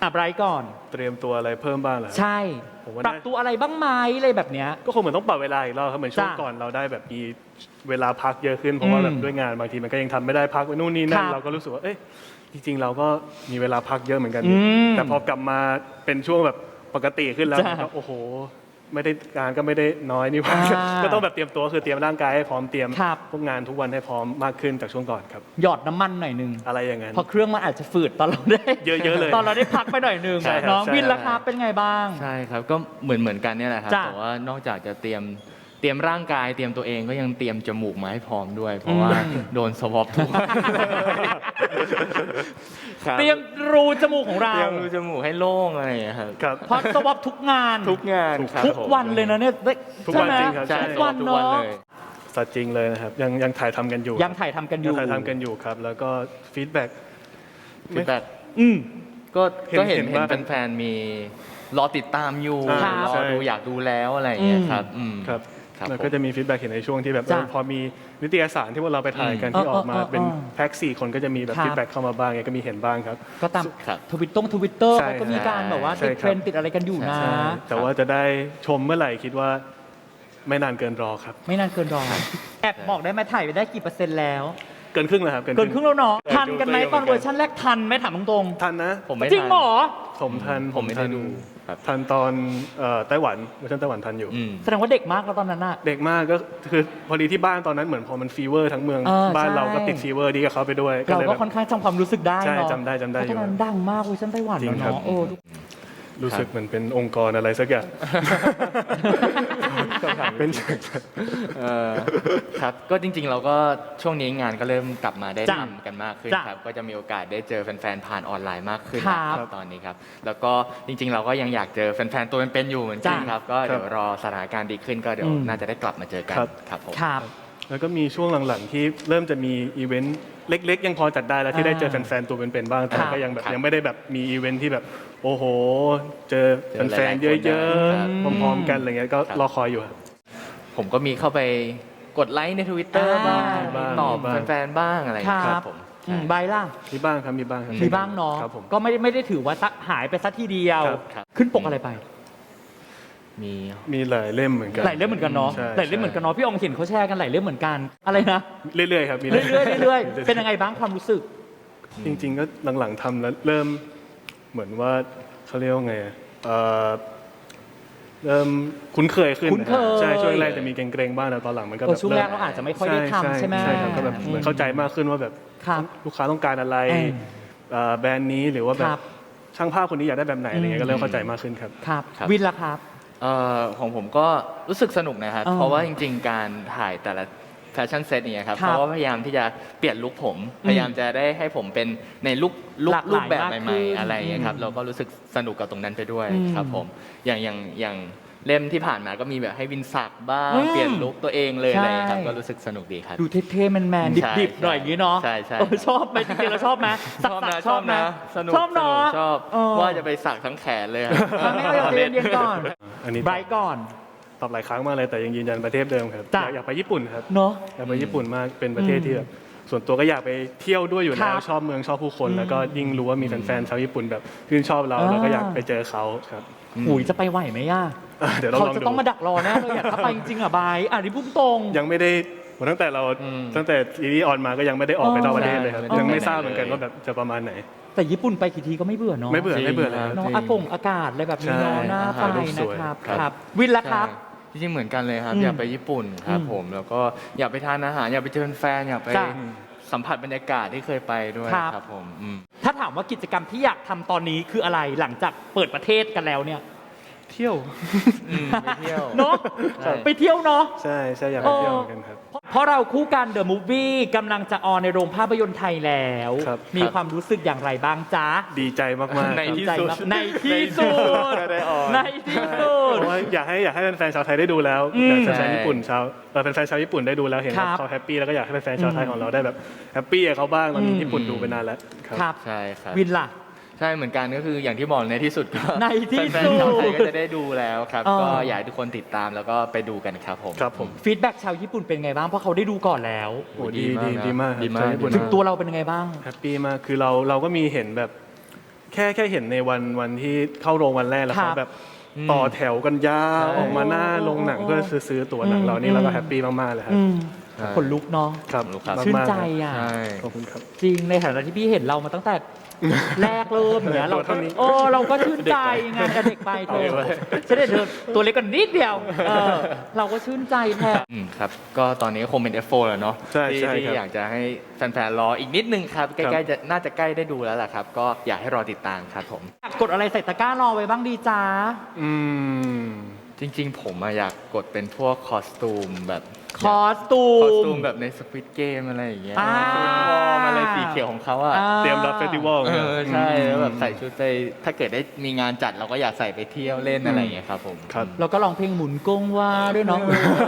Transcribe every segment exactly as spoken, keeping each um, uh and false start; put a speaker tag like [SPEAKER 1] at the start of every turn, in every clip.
[SPEAKER 1] ไบรท์ก่อน
[SPEAKER 2] เตรียมตัวอะไรเพิ่มบ้างเหรอ
[SPEAKER 1] ใช่
[SPEAKER 2] ผมว่า
[SPEAKER 1] ปรับตัวอะไรบ้างไหมอะไรแบบเนี้ย
[SPEAKER 2] ก็คงเหมือนต้องปรับเวลาอีกรอบครับเหมือนช่วง
[SPEAKER 1] จ้ะ
[SPEAKER 2] ก่อนเราได้แบบมีเวลาพักเยอะขึ้นเพราะว่า
[SPEAKER 1] อืม
[SPEAKER 2] แบบด้วยงานบางทีมันก็ยังทำไม่ได้พักไปนู่นนี่นั่
[SPEAKER 1] คน รับ
[SPEAKER 2] เราก็รู้สึกว่าเอ๊ะจริงๆ เราก็มีเวลาพักเยอะเหมือนกัน
[SPEAKER 1] อืม
[SPEAKER 2] แต่พอกลับมาเป็นช่วงแบบปกติขึ้นแล้ว
[SPEAKER 1] จ้ะ
[SPEAKER 2] มันก็โอ้โหไม่ได้งานก็ไม่ได้น้อยนี่หว่า
[SPEAKER 1] อ่า
[SPEAKER 2] ก็ต้องแบบเตรียมตัวคือเตรียมร่างกายให้พร้อมเตรียม
[SPEAKER 1] ครับ
[SPEAKER 2] พวกงานทุกวันให้พร้อมมากขึ้นจากช่วงก่อนครับ
[SPEAKER 1] หยอดน้ำมันหน่อยหนึง
[SPEAKER 2] อะไรอย่างนั้น
[SPEAKER 1] เพราะเครื่องมันอาจจะฝืดตอนเราได้
[SPEAKER 2] เยอะๆเลย
[SPEAKER 1] ตอนเราได้พักไปหน่อยหนึง
[SPEAKER 2] ใช่ครับ
[SPEAKER 1] น้อง
[SPEAKER 2] ใช่
[SPEAKER 1] วินราคาเป็นไงบ้าง
[SPEAKER 3] ใช่ครับก็เหมือนเหมือนกันเนี่ยแหละครับ
[SPEAKER 1] จ้ะ
[SPEAKER 3] แต่ว่านอกจากจะเตรียมเตรียมร่างกายเตรียมตัวเองก็ยังเตรียมจมูกมาให้พร้อมด้วย เพราะว่า
[SPEAKER 1] อืม
[SPEAKER 3] โดนสวอปทุกวันคบ
[SPEAKER 1] เตรียมรูจมูกของเรา
[SPEAKER 3] เตรียมรูจมูกให้โล่งอะไรอย่างเงี้ยครับ
[SPEAKER 2] ครับ
[SPEAKER 1] เพราะสวอปทุกงาน
[SPEAKER 3] ทุกงานครับ
[SPEAKER 1] ทุก
[SPEAKER 3] ผม
[SPEAKER 1] วันเลยนะเนี่ยได้
[SPEAKER 2] ทุกวัน
[SPEAKER 1] ใช่ไหม
[SPEAKER 2] จริงครับ
[SPEAKER 3] ใช่
[SPEAKER 1] ทุก
[SPEAKER 3] สว
[SPEAKER 1] วั
[SPEAKER 3] อน ปทุก
[SPEAKER 1] เนาะ
[SPEAKER 3] วันเลย
[SPEAKER 2] สัตว์จริงเลยนะครับยังยังถ่ายทำกันอยู่
[SPEAKER 1] ยังถ่ายทำกันอ
[SPEAKER 2] ยัง
[SPEAKER 1] ยู่
[SPEAKER 2] ถ่ายทำกันอยู่ครับ แล้วก็ฟีดแบ็ก
[SPEAKER 3] ฟีดแบ็ก
[SPEAKER 1] อืม
[SPEAKER 3] ก็
[SPEAKER 2] เห็น
[SPEAKER 3] ก็เห็น
[SPEAKER 2] เห็น
[SPEAKER 3] เห็น
[SPEAKER 2] ว่า
[SPEAKER 3] แฟนๆมีรอติดตามอยู่
[SPEAKER 2] อ่าร
[SPEAKER 3] อ
[SPEAKER 2] ใช่
[SPEAKER 3] ดูอยากดูแล้วอะไรอย่างเงี้ย
[SPEAKER 1] อืม
[SPEAKER 3] ครับอืม
[SPEAKER 2] ครับ
[SPEAKER 3] ครับ
[SPEAKER 2] แล้ว
[SPEAKER 3] ผม
[SPEAKER 2] ก็จะมีฟีดแบ็กเห็นในช่วงที่แบบ
[SPEAKER 1] จ้ะ
[SPEAKER 2] เออพอมีนิตยสารที่พวกเราไปถ่ายกัน
[SPEAKER 1] อืม
[SPEAKER 2] ที่ออกมา
[SPEAKER 1] เออเออเออ
[SPEAKER 2] เป็นแพ็กสี่คนก็จะมีแบบ
[SPEAKER 1] ครับ
[SPEAKER 2] ฟีดแบ็กเข้ามาบ้างไงก็มีเห็นบ้างครับ
[SPEAKER 1] ก็ตาม
[SPEAKER 3] ครับ
[SPEAKER 1] ทวิตตงทวิตเตอร์
[SPEAKER 2] ใช่
[SPEAKER 1] เขาก็มีการแบบว่า
[SPEAKER 2] ใช่
[SPEAKER 1] ติด
[SPEAKER 2] ครับ
[SPEAKER 1] เทรนด์ติดอะไรกันอยู่นะ
[SPEAKER 3] ใช่
[SPEAKER 2] แต่ว่าจะได้ชมเมื่อไหร่คิดว่าไม่นานเกินรอครับ
[SPEAKER 1] ไม่นานเกินรอ แอบบอกได้ไหมถ่ายไปได้กี่เปอร์เซ็นต์แล้ว
[SPEAKER 2] เกินครึ่งแล้วครับ
[SPEAKER 1] เกินครึ่งแล้วเนาะ
[SPEAKER 2] เออ
[SPEAKER 1] ทันกันไหม
[SPEAKER 2] ดูตัวเอง
[SPEAKER 1] ตอนเวอร์ชันแรกทันไหมถามตรง
[SPEAKER 2] ทันนะ
[SPEAKER 3] ผมไม่
[SPEAKER 1] ๆจริง
[SPEAKER 3] ทัน
[SPEAKER 1] เหรอ
[SPEAKER 2] ผมทัน
[SPEAKER 3] ผมไม่ได้
[SPEAKER 2] ทัน
[SPEAKER 3] ดูครับ
[SPEAKER 2] ทันตอนเอ่อไต้หวันเวอร์ชันไต้หวันทันอยู่
[SPEAKER 3] อืม
[SPEAKER 1] แสดงว่าเด็กมากแล้วตอนนั้นอะ
[SPEAKER 2] เด็กมากก็คือพอดีที่บ้านตอนนั้นเหมือนพอมันฟีเวอร์ทั้งเมือง
[SPEAKER 1] เออ
[SPEAKER 2] บ้าน
[SPEAKER 1] ใช่
[SPEAKER 2] เราก็ติดฟีเวอร์ดีกับเขาไปด้วย
[SPEAKER 1] เรา
[SPEAKER 2] เลย
[SPEAKER 1] ก็
[SPEAKER 2] แบบ
[SPEAKER 1] ค่อนข้างจำความรู้สึกได้
[SPEAKER 2] ใช่
[SPEAKER 1] เนาะ
[SPEAKER 2] จำได้จำได้
[SPEAKER 1] เพราะตอนนั้นดังมากเวอร์ชันไต้หวัน
[SPEAKER 2] จริ
[SPEAKER 1] แล้ว
[SPEAKER 2] งครับ
[SPEAKER 1] เนาะโอ้
[SPEAKER 2] รู้สึกเหมือนเป็นองค์กรอะไรสักอย่าง เป็น
[SPEAKER 3] เออครับก็จริงๆ เราก็ช่วงนี้งานก็เริ่มกลับมาได้
[SPEAKER 1] จ้ะ
[SPEAKER 3] ทำกันมากขึ้น
[SPEAKER 1] จ้ะ
[SPEAKER 3] ครับก็จะมีโอกาสได้เจอแฟนๆ ผ่านออนไลน์มากขึ้น
[SPEAKER 1] ครับ
[SPEAKER 3] นะครับตอนนี้ครับแล้วก็จริงๆ เราก็ยังอยากเจอแฟนๆ ตัวเป็นๆ อยู่เหมือนกัน
[SPEAKER 1] จ้ะ
[SPEAKER 3] ครับก็เดี๋ยวรอสถานการณ์ดีขึ้นก็เดี๋ยว
[SPEAKER 1] อืม
[SPEAKER 3] น่าจะได้กลับมาเจอกัน
[SPEAKER 2] ครับ
[SPEAKER 3] ครับผม
[SPEAKER 1] ครับ
[SPEAKER 2] แล้วก็มีช่วงหลังๆที่เริ่มจะมีอีเวนต์เล็กๆ ยังพอจัดได้แล้วที่ได้เจอแฟนๆตัวเป็นๆบ้างแต่
[SPEAKER 1] ครับ
[SPEAKER 2] ก็ยังแบบ
[SPEAKER 3] ครับ
[SPEAKER 2] ยังไม่ได้แบบมีอีเวนต์ที่แบบโอ้โห เจอ
[SPEAKER 3] เจอหลายๆ
[SPEAKER 2] แฟนๆเย
[SPEAKER 3] คนได้
[SPEAKER 2] อะ
[SPEAKER 3] ครับ
[SPEAKER 2] ๆพร้อมๆกันอะไรเงี้ยก็
[SPEAKER 3] ครับ
[SPEAKER 2] รอคอยอยู่ครับ
[SPEAKER 3] ผมก็มีเข้าไปกดไลค์ใน Twitter
[SPEAKER 1] อ่า
[SPEAKER 3] บ้าง
[SPEAKER 2] บ้าง
[SPEAKER 3] ตอบ
[SPEAKER 2] บ้าง
[SPEAKER 3] แฟนๆ บ้างอะไรอย่างเงี้ย
[SPEAKER 1] ค
[SPEAKER 3] ค
[SPEAKER 1] รั
[SPEAKER 3] รับ บผม
[SPEAKER 1] อื
[SPEAKER 3] ใช่
[SPEAKER 1] มใบล่ะ
[SPEAKER 2] มีบ้างครับมีบ้างครับ
[SPEAKER 1] มีบ้างเนาะ
[SPEAKER 2] ครับผม
[SPEAKER 1] ก็ไม่ได้ไม่ได้ถือว่าสักหายไปสักทีเดียว
[SPEAKER 2] ครับ
[SPEAKER 3] ครับ
[SPEAKER 1] ขึ้นปกอะไรไป
[SPEAKER 3] มี
[SPEAKER 2] มีหลายเล่มเหมือนกัน
[SPEAKER 1] หลายเล่มเหมือนกันเนาะ
[SPEAKER 2] ใช่
[SPEAKER 1] หลายเล่มเหมือนกันเนาะพี่อองเห็นเขาแชร์กันหลายเล่มเหมือนกันอะไรนะ
[SPEAKER 2] เรื่อยๆครับมี
[SPEAKER 1] เรื่อยๆเรื่อยๆเป็นยังไงบ้างความรู้สึก
[SPEAKER 2] จริง ๆ ก็หลังๆทำแล้วเริ่มเหมือนว่าเขาเรียกว่าไงอะเอ่อเริ่มคุ้นเคยขึ้น
[SPEAKER 1] คุ้นเคย
[SPEAKER 2] ใช่ช่วงแรกจะมีเกรงๆบ้างแต่ตอนหลังมันก็
[SPEAKER 1] เอ
[SPEAKER 2] แบ
[SPEAKER 1] อบ ช่วงแรกเราอาจจะไม่ค่อยได้ทำใช่ไหม
[SPEAKER 2] ใช่ครับก็แบบเหมือนเข้าใจมากขึ้นว่าแบบ
[SPEAKER 1] ครับ
[SPEAKER 2] ลูกค้าต้องการอะไร
[SPEAKER 1] เออ
[SPEAKER 2] เอ่อแบรนด์นี้หรือว่าแบ
[SPEAKER 1] ครับ บ
[SPEAKER 2] ช่างภาพคนนี้อยากได้แบบไหนอะไรเงี้ยก็เริ่มเข้าใจมากขึ้นครับ
[SPEAKER 1] ครับ
[SPEAKER 3] ครับ
[SPEAKER 1] วินล่ะครับ
[SPEAKER 3] เอ่อของผมก็รู้สึกสนุกนะครับ
[SPEAKER 1] อ่า
[SPEAKER 3] เพราะว่าจริงๆ การถ่ายแต่ละแฟชั่นเซตเนี่ยครับ
[SPEAKER 1] ครับ
[SPEAKER 3] เขาก็พยายามที่จะเปลี่ยนลุคผม
[SPEAKER 1] อืม
[SPEAKER 3] พยายามจะได้ให้ผมเป็นในลุคลุค
[SPEAKER 1] หลากหลาย
[SPEAKER 3] รูปแบบ
[SPEAKER 1] มากขึ้น
[SPEAKER 3] ใหม่ๆ อะไรอย่างเงี้ยครับ
[SPEAKER 1] อืม
[SPEAKER 3] เราก็รู้สึกสนุกกับตรงนั้นไปด้วย
[SPEAKER 1] อืม
[SPEAKER 3] ครับผมอย่างอย่างอย่างเล่มที่ผ่านมาก็มีแบบให้วินสักบ้าง
[SPEAKER 1] อืม
[SPEAKER 3] เปลี่ยนลุคตัวเองเลย
[SPEAKER 1] ใช่
[SPEAKER 3] อะไรอย่างเงี้ยครับก็รู้สึกสนุกดีครับ
[SPEAKER 1] ดูเท่ๆแมน
[SPEAKER 3] ใช่
[SPEAKER 1] ๆดิบๆหน่อยอย่างนี้เนาะ
[SPEAKER 3] ใช่ใช่
[SPEAKER 1] เออชอบไหมจริงๆเราชอบไหมสัก
[SPEAKER 3] ชอบ
[SPEAKER 1] ๆ
[SPEAKER 3] นะ
[SPEAKER 1] ชอบไหม
[SPEAKER 3] สนุก
[SPEAKER 1] ชอบเนาะ
[SPEAKER 3] สนุกชอบ
[SPEAKER 1] เออ
[SPEAKER 3] ว่าจะไปสักทั้งแขนเลยอะ
[SPEAKER 1] ครั้งแรกเราเรียนเรียนก่อน
[SPEAKER 2] อันนี้
[SPEAKER 1] ไบรท์ก่อน
[SPEAKER 2] ตอบหลายครั้งมากเลยแต่ยังยืนยันประเทศเดิมครับ
[SPEAKER 1] จ้ะ
[SPEAKER 2] อยากอยากไปญี่ปุ่นครับ
[SPEAKER 1] เนาะ
[SPEAKER 2] อยากไปญี่ปุ่นมากเป็นประเทศที่แบบส่วนตัวก็อยากไปเที่ยวด้วยอยู่
[SPEAKER 1] ครั
[SPEAKER 2] แล้ว
[SPEAKER 1] บ
[SPEAKER 2] ชอบเมืองชอบผู้คน
[SPEAKER 1] อืม
[SPEAKER 2] แล้วก็ยิ่งรู้ว่ามีแฟนๆชาวญี่ปุ่นแบบชื่นชอบเรา
[SPEAKER 1] อ่า
[SPEAKER 2] เราก็อยากไปเจอเขาครับ
[SPEAKER 1] หุยจะไปไหวไหมย่า
[SPEAKER 2] อ่ะเดี๋ยวเรา
[SPEAKER 1] เขา
[SPEAKER 2] ลอง
[SPEAKER 1] จะ
[SPEAKER 2] ดู
[SPEAKER 1] ต้องมาดักรอแน่เลยอยากถ้าไปจริงๆอ่ะไบรท์อ่ะนี่พุ่งตรง
[SPEAKER 2] ยังไม่ได้เหมือนตั้งแต่เรา
[SPEAKER 3] อืม
[SPEAKER 2] ตั้งแต่ซีรีส์ออนมาก็ยังไม่ได้ออกไป
[SPEAKER 1] อ๋อ
[SPEAKER 2] นอกประเทศเลยครับ
[SPEAKER 3] ใช่
[SPEAKER 2] ยังไม่
[SPEAKER 3] ไม่ได้
[SPEAKER 2] ทราบเหมือนกัน
[SPEAKER 3] เลย
[SPEAKER 2] ว่าแบบจะประมาณไหน
[SPEAKER 1] แต่ญี่ปุ่นไปกี่ทีก็ไม่เบื่อเนาะ
[SPEAKER 2] ไม่เบื่อ
[SPEAKER 3] จริง
[SPEAKER 2] ไม่เบื่อเลย
[SPEAKER 3] ครับ
[SPEAKER 1] เนาะ
[SPEAKER 3] จริง
[SPEAKER 1] อากงอากาศอะไรแบบนี้เนาะ
[SPEAKER 2] ใช่
[SPEAKER 1] น่า
[SPEAKER 2] ถ่าย
[SPEAKER 1] ไป
[SPEAKER 2] รูปส
[SPEAKER 1] นะ
[SPEAKER 2] วย
[SPEAKER 1] ครับ
[SPEAKER 2] ครับ
[SPEAKER 1] ครับ วินล่ะครับ
[SPEAKER 3] ใช่จริงๆเหมือนกันเลยครับ
[SPEAKER 1] อืม
[SPEAKER 3] อยากไปญี่ปุ่นครับ
[SPEAKER 1] อืม
[SPEAKER 3] ผมแล้วก็อยากไปทานอาหารอยากไปเจอแฟนอยากไป
[SPEAKER 1] จ้ะ
[SPEAKER 3] สัมผัสบรรยากาศที่เคยไปด้วย
[SPEAKER 1] ครับ
[SPEAKER 3] ครับผมอืม
[SPEAKER 1] ถ้าถามว่ากิจกรรมที่อยากทำตอนนี้คืออะไรหลังจากเปิดประเทศกันแล้วเนี่ย
[SPEAKER 2] เที่ยว
[SPEAKER 3] อืมไปเที่ยว
[SPEAKER 1] เนาะ
[SPEAKER 3] ใช่
[SPEAKER 1] ไปเที่ยวเนาะ
[SPEAKER 2] ใช่ใช่อยากไปเที่ยวเหมือนกันครับ
[SPEAKER 1] เพราะเพราะเราคู่กันเดอะมูฟวี่กำลังจะออนในโรงภาพยนตร์ไทยแล้ว
[SPEAKER 2] ครับ
[SPEAKER 1] มีความรู้สึกอย่างไรบ้างจ๊ะ
[SPEAKER 2] ดีใจมากๆ
[SPEAKER 3] ใน
[SPEAKER 2] ครับ
[SPEAKER 3] ที่
[SPEAKER 1] ใจ
[SPEAKER 3] สุด
[SPEAKER 1] มากในที่สุด
[SPEAKER 3] จะได้ออน
[SPEAKER 1] ในที่สุด
[SPEAKER 2] เพราะว่าอยากให้อยากให้แฟนๆชาวไทยได้ดูแล้ว
[SPEAKER 1] อืม
[SPEAKER 2] อยากให้แฟนๆญี่ปุ่นชาวเออแฟนๆชาวญี่ปุ่นได้ดูแล้วเห็น
[SPEAKER 1] ครั
[SPEAKER 2] ว่า
[SPEAKER 1] บ
[SPEAKER 2] เขาแฮปปี้แล้วก็อยากให้แฟนๆชาวไทยของเราได้แบบแฮปปี้กับเขาบ้างตอนนี้
[SPEAKER 1] อืม
[SPEAKER 2] ญี่ปุ่นดูไปนานแล้วครับ
[SPEAKER 1] ครับ
[SPEAKER 3] ใช่ครับ
[SPEAKER 1] วินล่ะ
[SPEAKER 3] ใช่เหมือนกันก็คืออย่างที่บอกในที่สุดก็
[SPEAKER 1] ในที่
[SPEAKER 3] แฟน
[SPEAKER 1] สุด
[SPEAKER 3] ๆชาวไทยก็จะได้ดูแล้วครับ
[SPEAKER 1] อ๋อ
[SPEAKER 3] ก็อยากให้ทุกคนติดตามแล้วก็ไปดูกันครับผม
[SPEAKER 2] ครับผม
[SPEAKER 1] ฟีดแบ็กชาวญี่ปุ่นเป็นไงบ้างเพราะเขาได้ดูก่อนแล้ว
[SPEAKER 2] โอ้ดี
[SPEAKER 3] ดี
[SPEAKER 2] ดี
[SPEAKER 3] มากนะ
[SPEAKER 2] ดีมาก
[SPEAKER 3] ดีมาก
[SPEAKER 2] ชาวญี่ปุ่น
[SPEAKER 1] ถึงตัวเราเป็นยังไงบ้าง
[SPEAKER 2] แฮปปี้มากคือเราเราก็มีเห็นแบบแคค่แค่เห็นในวันวันที่เข้าโรงวันแรกแล้ว
[SPEAKER 1] ครั
[SPEAKER 2] เขา
[SPEAKER 1] บ
[SPEAKER 2] แบบต่อแถวกันยาว
[SPEAKER 3] ใช่
[SPEAKER 2] ออกมาหน้าโรงหนัง
[SPEAKER 1] โอ้
[SPEAKER 2] เพื่อซื้อตัวหนังเรานี่เราก็แฮปปี้มากๆเลยครับ
[SPEAKER 1] อืม
[SPEAKER 3] ใช่
[SPEAKER 1] ขนลุกเนาะ
[SPEAKER 2] ครับ
[SPEAKER 3] ครับ
[SPEAKER 1] ชื่น
[SPEAKER 2] มากๆ
[SPEAKER 1] ใจ
[SPEAKER 2] ครับ
[SPEAKER 1] อ่ะ
[SPEAKER 3] ใช่
[SPEAKER 2] ขอบคุณครับ
[SPEAKER 1] จริงในฐานะที่พี่เห็นเรามาตั้งแต่ แรกเริ่มอย่างเงี้ยเรา
[SPEAKER 2] ตัว
[SPEAKER 1] ก็
[SPEAKER 2] เท่านี้
[SPEAKER 1] โอ้เราก็ชื่นใจงานกับเด็กไปเธอฉันได้เธอตัวเล็กกว่านิดเดียวเออเราก็ชื่นใจแทน
[SPEAKER 3] อืมครับก็ตอนนี้คงเป็น เอฟ โฟร์ แล้วเนาะ
[SPEAKER 2] ใช่
[SPEAKER 3] ที่
[SPEAKER 2] ใช่
[SPEAKER 3] ที่
[SPEAKER 2] ครับ
[SPEAKER 3] อยากจะให้แฟนๆรออีกนิดนึงครับใก
[SPEAKER 2] ครั
[SPEAKER 3] ล้
[SPEAKER 2] บ
[SPEAKER 3] ๆจะน่าจะใกล้ได้ดูแล้วแหละครับ ก็อยากให้รอติดตามครับผม
[SPEAKER 1] อยากกดอะไรใส่ตะกร้ารอไว้บ้างดีจ้า
[SPEAKER 2] อืม
[SPEAKER 3] จริงๆ ผมอะอยากกดเป็นพวกคอสตูมแบบ
[SPEAKER 1] คอสตู
[SPEAKER 3] คอส
[SPEAKER 1] ม
[SPEAKER 3] ตูมแบบในสควิตเกมอะไรอย่างเงี้ย
[SPEAKER 1] อ่า
[SPEAKER 3] ชุดวอร์มอะไรสีเขียวของเขาอะ
[SPEAKER 1] อ่า
[SPEAKER 2] เตรียมรับเฟสติวัล
[SPEAKER 3] เอ
[SPEAKER 2] นี่ย
[SPEAKER 3] อใช่แล้วแบบใส่ชุดไปถ้าเกิดได้มีงานจัดเราก็อยากใส่ไปเที่ยวเล่นอะไรอย่างเงี้ยครับผม
[SPEAKER 2] ครับ
[SPEAKER 1] แล้วก็ร้องเพลงหมุนกงว่าด้วยเนาะ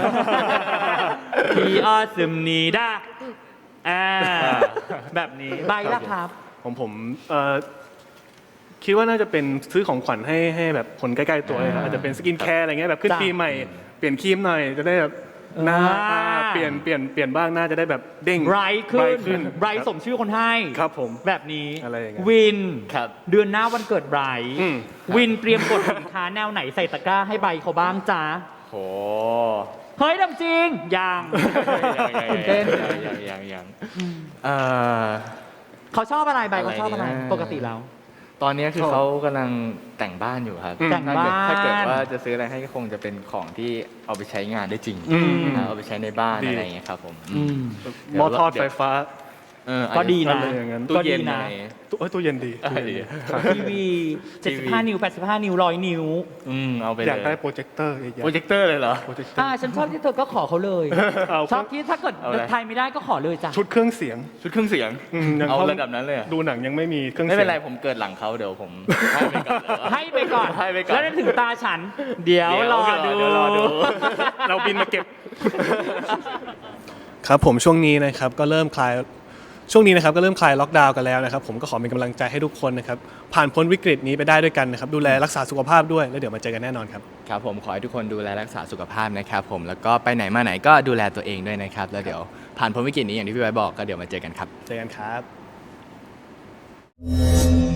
[SPEAKER 1] พีออซึมนีด้าอ่าแบบนี้ใบละครับ
[SPEAKER 2] ของผมเอ่อคิดว่าน่าจะเป็นซื้อของขวัญให้ให้แบบคนใกล้ๆตัวเลยครับ
[SPEAKER 3] อ่า
[SPEAKER 2] อาจจะเป็นสกินแคร์อะไรเงี้ยแบบขึ้น
[SPEAKER 1] จ้ะ
[SPEAKER 2] ปีใหม่เปลี่ยนครีมหน่อยจะได้แบบหน้า
[SPEAKER 1] อ่า
[SPEAKER 2] อ่าเปลี่ยนเปลี่ยนเปลี่ยนบ้างหน้าจะได้แบบเด้ง
[SPEAKER 1] ไบรท์ขึ้น
[SPEAKER 2] ขึ้น
[SPEAKER 1] ไบรท์สมชื่อคนให้
[SPEAKER 2] ครับผม
[SPEAKER 1] แบบนี้
[SPEAKER 2] อะไรอย่างเงี้ย
[SPEAKER 1] วิน
[SPEAKER 3] ครับ
[SPEAKER 1] เดือนหน้าวันเกิดไบรท์
[SPEAKER 2] อืม
[SPEAKER 1] วินเตรียมกดสินค้าแนวไหนใส่ตะกร้าให้ใบเขาบ้างจ้า
[SPEAKER 3] โห
[SPEAKER 1] เฮ้ยดำจริงยัง
[SPEAKER 3] ยัง
[SPEAKER 1] ตื่นเต้น
[SPEAKER 3] ยังยังยังเอ่อ
[SPEAKER 1] เขาชอบอะไรใบเขาชอบอะไร
[SPEAKER 3] อะไรนะ
[SPEAKER 1] ปกติแล้ว
[SPEAKER 3] ตอนนี้คือเขากำลังแต่งบ้านอยู่ครับ
[SPEAKER 2] อืม
[SPEAKER 1] แต่งบ้าน
[SPEAKER 3] ถ้าเกิดว่าจะซื้ออะไรให้ก็คงจะเป็นของที่เอาไปใช้งานได้จริง
[SPEAKER 2] อืม
[SPEAKER 3] นะเอาไปใช้ในบ้าน
[SPEAKER 2] ดี
[SPEAKER 3] อะไรอย่างเงี้ยครับผม
[SPEAKER 1] อืม
[SPEAKER 3] เดี๋ยว
[SPEAKER 2] หม้อทอด
[SPEAKER 3] เดี๋ยว
[SPEAKER 2] ไฟฟ้า
[SPEAKER 3] เออ
[SPEAKER 1] ก็ดีนะ
[SPEAKER 2] อะไรอย่างนั้น
[SPEAKER 3] ตู้เย็น
[SPEAKER 1] ก็ดีนะ
[SPEAKER 3] อะไร
[SPEAKER 2] ตู้เอ้ยตู้เย็นดี
[SPEAKER 3] เออดี
[SPEAKER 2] ครับ
[SPEAKER 1] ทีวีเจ็ดสิบห้านิ้วแปดสิบห้านิ้วร้อยนิ้ว
[SPEAKER 3] อืมเอาไป
[SPEAKER 2] อ
[SPEAKER 3] เลย
[SPEAKER 2] ยากได้โปรเจคเตอร์ใหญ่
[SPEAKER 3] โปรเจคเตอร์เลยเหรอ
[SPEAKER 2] ๆโปรเจคเตอ
[SPEAKER 1] อ่า
[SPEAKER 2] ร์
[SPEAKER 1] ฉันชอบที่เธอก็ขอเขาเลย
[SPEAKER 2] เอา
[SPEAKER 1] ชอบที่ถ้าเกิด
[SPEAKER 3] เอาอะไร
[SPEAKER 1] ไทยไม่ได้ก็ขอเลยจ้ะ
[SPEAKER 2] ชุดเครื่องเสียง
[SPEAKER 3] ชุดเครื่องเสียง
[SPEAKER 2] อืมยัง
[SPEAKER 3] เอา
[SPEAKER 2] เข้
[SPEAKER 3] ระดับนั้นเลยเหรอ
[SPEAKER 2] ดูหนังยังไม่มีเครื่อง
[SPEAKER 3] ไม่
[SPEAKER 2] เสียง
[SPEAKER 3] เป็นไรผมเกิดหลังเขาเดี๋ยวผมให้ไปก่อนเลย
[SPEAKER 1] ให้ไปก่อน
[SPEAKER 3] ให้ไปก่อน
[SPEAKER 1] แล้วถึงตาฉัน เดี๋ยว
[SPEAKER 3] เดี๋ยว
[SPEAKER 1] รอดู
[SPEAKER 3] เดี๋ยวรอดู
[SPEAKER 2] เราบินมาเก็บ ครับผมช่วงนี้นะครับก็เริ่มคลายช่วงนี้นะครับก็เริ่มคลายล็อกดาวน์กันแล้วนะครับผมก็ขอเป็นกำลังใจให้ทุกคนนะครับผ่านพ้นวิกฤตนี้ไปได้ด้วยกันนะครับดูแลรักษาสุขภาพด้วยแล้วเดี๋ยวมาเจอกันแน่นอนครับ
[SPEAKER 3] ครับผมขอให้ทุกคนดูแลรักษาสุขภาพนะครับผมแล้วก็ไปไหนมาไหนก็ดูแลตัวเองด้วยนะครับแล้วเดี๋ยวผ่านพ้นวิกฤตนี้อย่างที่พี่ไว้บอกก็เดี๋ยวมาเจอกันครับ
[SPEAKER 2] เจอกันครับ